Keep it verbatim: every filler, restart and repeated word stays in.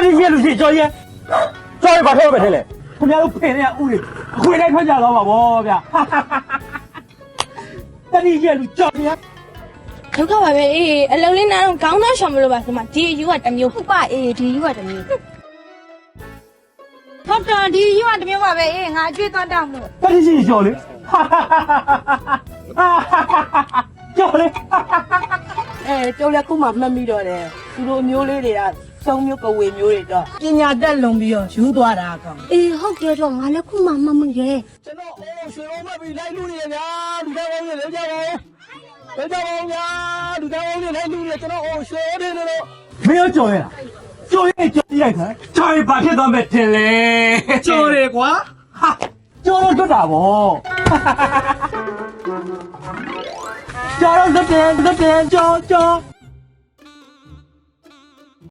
你夜路去找烟，找一把头白天嘞，他们都陪人家屋里，回来看家老嘛不ဗျာ，哈哈哈哈。那你夜路找烟， ဒုက္ခပါပဲအေးအလုံးလေးနားတော့ခေါင်းသားရှောင်မလို့ပါဆိုမှဒီယူကတစ်မျိုးဟုတ်ပါအေးဒီယူကတစ်မျိုးဟုတ်တယ်ဒီယူကတစ်မျိုးပါပဲအေးငါအကျွေးသွားတောင်းလို့那你去找嘞，哈哈哈哈哈哈，找嘞，哈哈哈哈。 အဲကျောင်းလက်ခုမှမှတ်မိတော့တယ်သူတို့မျိုးလေးတွေကစုံမျိုးကဝေမျိုးတွေတော့ပညာတက်လုံပြီးတော့ယူသွားတာကောင်အေးဟုတ်တယ်တော့ငါလည်းခုမှမမရဲကျွန်တော်အိုးရွှေလုံးမပြီးလိုက်လူနေရဗျာလူသားကောင်းကြီးလည်းကြောက်ပါဦးလည်းကြောက်ပါဦးဗျာလူသားကောင်းကြီးလည်းလူနေကျွန်တော်အိုးရွှေနေနေလို့မင်းရောကြော်ရလားကြော်ရင်ကြော်ရိုက်ခိုင်းကြော်ရင်ဘာဖြစ်သွားမဲ့ထင်လဲကြော်တယ်ကွာဟာကြော်တော့တွတ်တာဗောကြော်တော့တွတ်တယ်တွတ်တယ်ကြော်ကြော်